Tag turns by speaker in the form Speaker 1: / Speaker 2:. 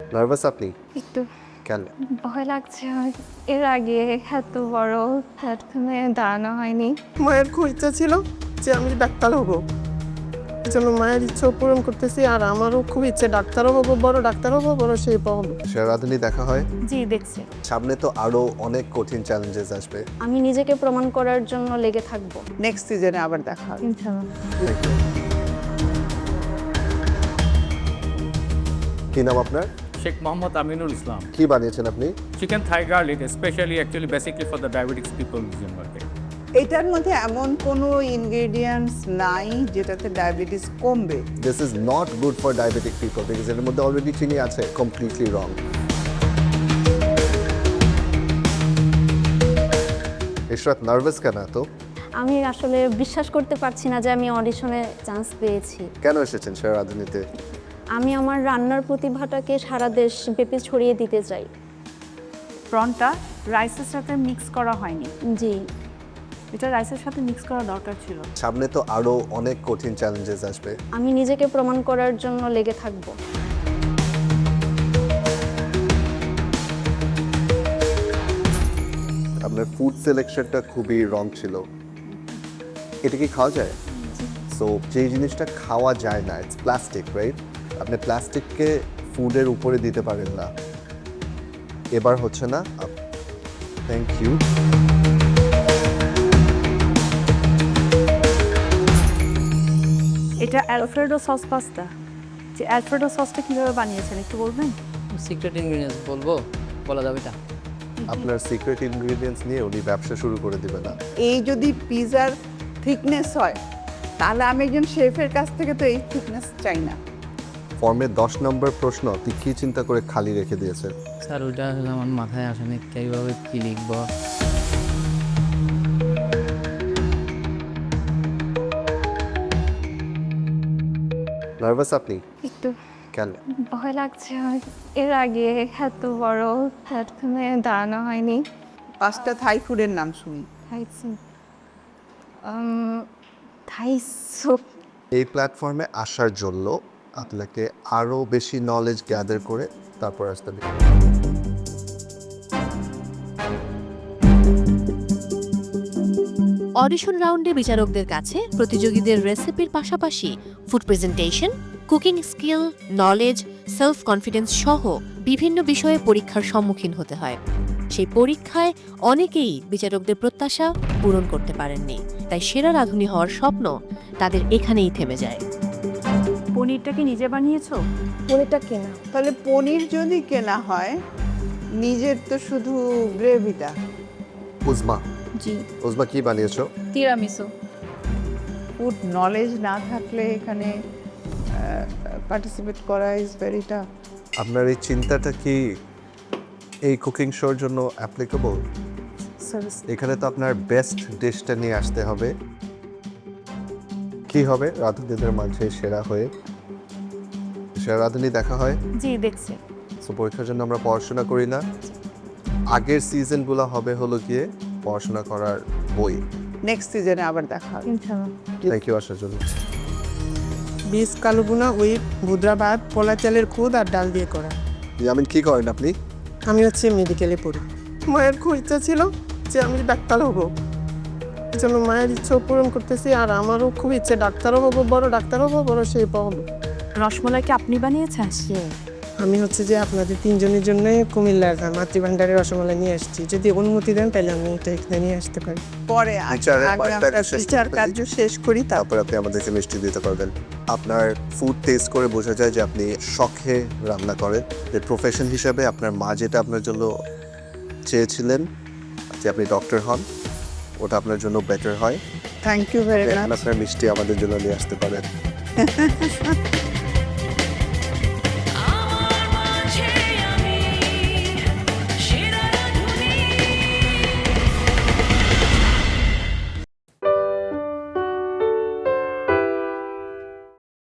Speaker 1: Nervous আপনি?
Speaker 2: একটু
Speaker 1: কেন?
Speaker 2: ভয় লাগছে। এর আগে এত বড় প্ল্যাটফর্মে দাঁড়ানো হয়নি।
Speaker 3: মায়ের খুব ইচ্ছা ছিল যে আমি ডাক্তার হব, এই জন্য মায়ের ইচ্ছাও পূরণ করতেছি। আর আমারও খুব ইচ্ছে ডাক্তারও হবো, বড় ডাক্তার হবো, বড় সেই হবো।
Speaker 1: সেরাধুনী দেখা হয়?
Speaker 2: জি দেখছি।
Speaker 1: সামনে তো আরো অনেক কঠিন চ্যালেঞ্জেস আসবে।
Speaker 2: আমি নিজেকে প্রমাণ করার জন্য লেগে থাকবো।
Speaker 3: নেক্সট সিজনে আবার দেখা হবে।
Speaker 2: ইনশাআল্লাহ।
Speaker 1: কি নাম আপনার?
Speaker 4: Sheikh Mohammad Aminul Islam.
Speaker 1: কি বানিয়েছেন আপনি?
Speaker 4: Chicken thigh garlic, especially actually basically for the diabetics people in market.
Speaker 3: এটার মধ্যে এমন কোনো ইনগ্রেডিয়েন্টস নাই যেটাতে ডায়াবেটিস কমবে।
Speaker 1: This is not good for diabetic people because এর মধ্যে অলরেডি চিনি আছে। কমপ্লিটলি রং। ইশরাত নার্ভাস কেন তো?
Speaker 2: আমি আসলে বিশ্বাস করতে পারছি না যে আমি অডিশনে চান্স পেয়েছি।
Speaker 1: কেন এসেছেন সেরাধুনীতে?
Speaker 2: আমি আমার রান্নার প্রতিভাটাকে সারা দেশ ব্যাপী ছড়িয়ে দিতে চাই।
Speaker 5: প্রনটা রাইসের সাথে মিক্স করা হয়নি,
Speaker 2: জি
Speaker 5: এটা রাইসের সাথে মিক্স করা দরকার ছিল।
Speaker 1: সামনে তো আরো অনেক কঠিন চ্যালেঞ্জেস আসবে।
Speaker 2: আমি নিজেকে প্রমাণ করার জন্য লেগে থাকবো।
Speaker 1: আপনার ফুড সিলেকশনটা খুবই রং ছিল। এটা কি খাওয়া যায়? সো যে জিনিসটা খাওয়া যায় না, ইটস প্লাস্টিক, রাইট? আপনি প্লাস্টিককে ফুডের উপরে দিতে পারেন না। এবার হচ্ছে না। Thank you.
Speaker 5: এটা অ্যালফ্রেডো সস পাস্তা। যে অ্যালফ্রেডো সসটা কীভাবে বানিয়েছেন একটু বলবেন?
Speaker 6: সিক্রেট ইনগ্রিডিয়েন্টস বলবো, বলা যাবে এটা?
Speaker 1: আপনার সিক্রেট ইনগ্রেডিয়েন্টস নিয়ে উনি ব্যবসা শুরু করে দিবে না।
Speaker 3: এই যদি পিজার থিকনেস হয় তাহলে আমি একজন শেফের কাছ থেকে তো এই থিকনেস চাই না।
Speaker 1: ফর্মে 10 নম্বর প্রশ্ন আপনি কি চিন্তা করে খালি রেখে দিয়েছেন?
Speaker 6: স্যার ওইটা আসলে আমার মাথায় আসেনি, কীভাবে কী লিখবো।
Speaker 1: নার্ভাস আপনি?
Speaker 2: একটু
Speaker 1: কেন?
Speaker 2: ভয় লাগছে। এর আগে এত বড় প্ল্যাটফর্মে দাঁড়ানো হয়নি।
Speaker 3: 5টা থাই ফুডের নাম শুনি।
Speaker 2: Thai soup.
Speaker 1: এই প্ল্যাটফর্মে আসার জন্য আপনাকে আরো বেশি নলেজ গ্যাদার করে তারপর আসতে হবে।
Speaker 7: অডিশন রাউন্ডে বিচারকদের কাছে প্রতিযোগীদের রেসিপির পাশাপাশি food presentation, cooking skill, knowledge, self confidence সহ বিভিন্ন বিষয়ে পরীক্ষার সম্মুখীন হতে হয়। সেই পরীক্ষায় অনেকেই বিচারকদের প্রত্যাশা পূরণ করতে পারেননি, তাই সেরা রাঁধুনি হওয়ার স্বপ্ন তাদের এখানেই থেমে যায়।
Speaker 5: পনিরটা কি নিজে বানিয়েছো?
Speaker 2: পনিরটা কেনা।
Speaker 3: তাহলে পনির যদি কেনা হয়, নিজের তো শুধু গ্রেভিটা।
Speaker 1: উজমা,
Speaker 2: জি
Speaker 1: উজমা কি বানিয়েছো?
Speaker 2: তিরামিসু।
Speaker 3: ফুড নলেজ না থাকলে এখানে পার্টিসিপেট করা ইজ ভেরি টাফ।
Speaker 1: আপনার এই চিন্তাটা কি এই কুকিং শোর জন্য অ্যাপ্লিকেবল? এখানে তো আপনার বেস্ট ডিশটা নিয়ে আসতে হবে। কি হবে রাঁধুনিদের মাঝে সেরা হয়ে? সেরা রাঁধুনি দেখা হয়?
Speaker 5: জি দেখছি।
Speaker 1: সো পরীক্ষার জন্য আমরা পড়াশোনা করি না। আগের সিজনগুলো হবে হলো গিয়ে পড়াশোনা করার বই।
Speaker 3: নেক্সট সিজনে আবার দেখা হবে।
Speaker 2: ইনশাআল্লাহ।
Speaker 1: থ্যাংক ইউ আসার জন্য।
Speaker 8: বীজ কালুগুনা উইথ ভুদ্রা ভাত, পোলা চালের খুদ আর ডাল দিয়ে করা।
Speaker 1: ইয়ামিন কি করেন আপনি?
Speaker 8: আমি হচ্ছে মেডিকেলে পড়ি। মায়ের খুব ইচ্ছা ছিল যে আমি ডাক্তার হব, এই জন্য মায়ের ইচ্ছাও পূরণ করতেছি। আর আমারও খুব ইচ্ছে ডাক্তারও হবো, বড় ডাক্তার হবো, বড় সেই হবো।
Speaker 5: রসমলাই কি আপনি বানিয়েছেন?
Speaker 8: আমি হচ্ছে যে আপনাদের 3 জনের জন্য কুমিল্লার মাতৃভান্ডারের রসমালাই নিয়ে আসছি। যদি অনুমতি দেন তাহলে আমি এটা এখানে নিয়ে আসতে পারি।
Speaker 3: পরে
Speaker 1: বিচারের
Speaker 3: আগে
Speaker 1: পর
Speaker 3: আমরা
Speaker 1: শেষ
Speaker 3: বিচার
Speaker 1: করতে
Speaker 3: কার্য শেষ করি,
Speaker 1: তারপর আপনি আমাদেরকে মিষ্টি দিতে পারবেন। আপনার ফুড টেস্ট করে বোঝা যায় যে আপনি শখে রান্না করেন। যে প্রফেশন হিসাবে আপনার মা যেটা আপনার জন্য চেয়েছিলেন যে আপনি ডক্টর হন, ওটা আপনার জন্য বেটার হয়।
Speaker 3: Thank you very much.
Speaker 1: আপনার মিষ্টি আমাদের জন্য নিয়ে আসতে পারেন।